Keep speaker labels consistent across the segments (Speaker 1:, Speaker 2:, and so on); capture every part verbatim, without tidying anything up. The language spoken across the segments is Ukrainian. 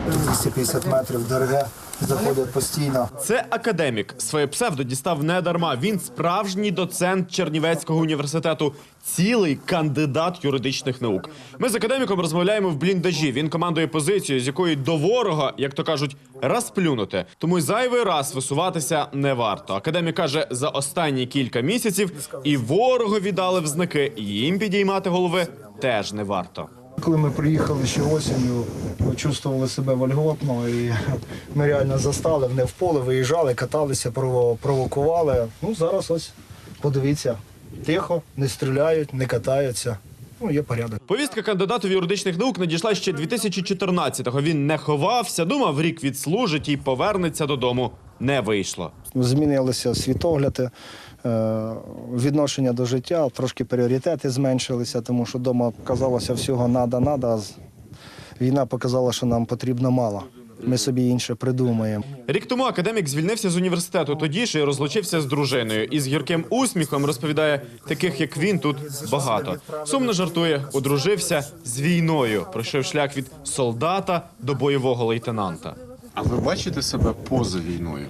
Speaker 1: двісті п'ятдесят метрів ДРГ заходять постійно.
Speaker 2: Це академік. Своє псевдо дістав не дарма. Він справжній доцент Чернівецького університету. Цілий кандидат юридичних наук. Ми з академіком розмовляємо в бліндажі. Він командує позицію, з якої до ворога, як то кажуть, розплюнути. Тому й зайвий раз висуватися не варто. Академік каже, за останні кілька місяців і ворогу дали в знаки, і їм підіймати голови теж не варто.
Speaker 1: Коли ми приїхали ще осінню, ми чувствували себе вольготно, і ми реально застали, не в поле, виїжджали, каталися, провокували. Ну, зараз ось, подивіться, тихо, не стріляють, не катаються. Ну, є порядок.
Speaker 2: Повістка кандидату в юридичних наук надійшла ще дві тисячі чотирнадцятого. Він не ховався, думав, рік відслужить і повернеться додому. Не вийшло.
Speaker 1: Змінилися світогляди, відношення до життя, трошки пріоритети зменшилися, тому що вдома казалося всього «надо-надо», а війна показала, що нам потрібно мало. Ми собі інше придумаємо.
Speaker 2: Рік тому академік звільнився з університету, тоді ж і розлучився з дружиною. І з гірким усміхом розповідає, таких як він тут багато. Сумно жартує, одружився з війною, пройшов шлях від солдата до бойового лейтенанта.
Speaker 3: А ви бачите себе поза війною?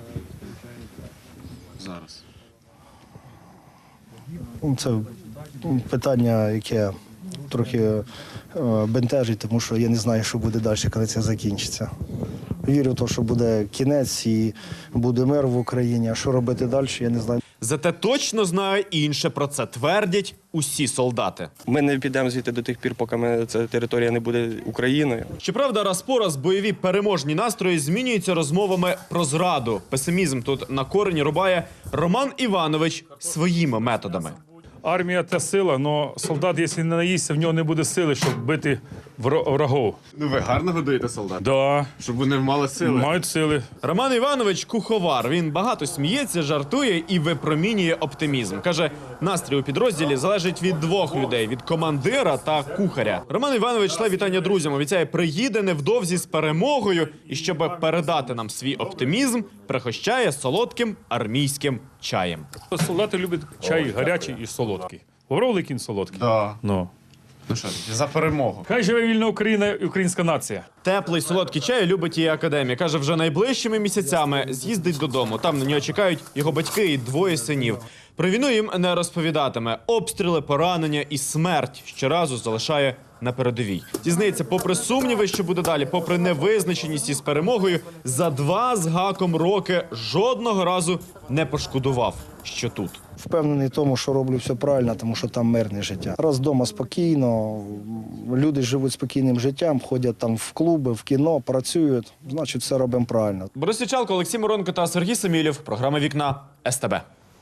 Speaker 3: Зараз.
Speaker 1: Це питання, яке трохи бентежить, тому що я не знаю, що буде далі, коли це закінчиться. Вірю в те, що буде кінець і буде мир в Україні. А що робити далі, я не знаю.
Speaker 2: Зате точно знає інше, про це твердять усі солдати.
Speaker 4: Ми не підемо звідти до тих пір, поки ми, ця територія не буде Україною.
Speaker 2: Щоправда, раз по раз бойові переможні настрої змінюються розмовами про зраду. Песимізм тут на корені рубає Роман Іванович своїми методами.
Speaker 5: Армія – це сила, але солдат, якщо не наїсться, в нього не буде сили, щоб бити врагов.
Speaker 3: Ну ви гарно годуєте солдат?
Speaker 5: Да.
Speaker 3: Щоб вони мали сили?
Speaker 5: Мають сили.
Speaker 2: Роман Іванович – куховар. Він багато сміється, жартує і випромінює оптимізм. Каже, настрій у підрозділі залежить від двох людей – від командира та кухаря. Роман Іванович шле вітання друзям, обіцяє, приїде невдовзі з перемогою і, щоб передати нам свій оптимізм, пригощає солодким армійським чаєм.
Speaker 5: Солдати люблять чай гарячий і солодкий. Говорили кінь солодкий?
Speaker 3: Да.
Speaker 5: Ну.
Speaker 3: Ну що, за перемогу.
Speaker 5: Хай живе вільна Україна і українська нація.
Speaker 2: Теплий солодкий чай любить і академік. Каже, вже найближчими місяцями з'їздить додому. Там на нього чекають його батьки і двоє синів. Про війну їм не розповідатиме. Обстріли, поранення і смерть щоразу залишає на передовій. Дізнається, попри сумніви, що буде далі, попри невизначеність із перемогою, за два з гаком роки жодного разу не пошкодував, що тут.
Speaker 1: Впевнений в тому, що роблю все правильно, тому що там мирне життя. Раз вдома спокійно, люди живуть спокійним життям, ходять там в клуби, в кіно, працюють, значить все робимо правильно.
Speaker 2: Борис Ячалко, Олексій Миронко та Сергій Самілєв. Програма «Вікна» ес те бе.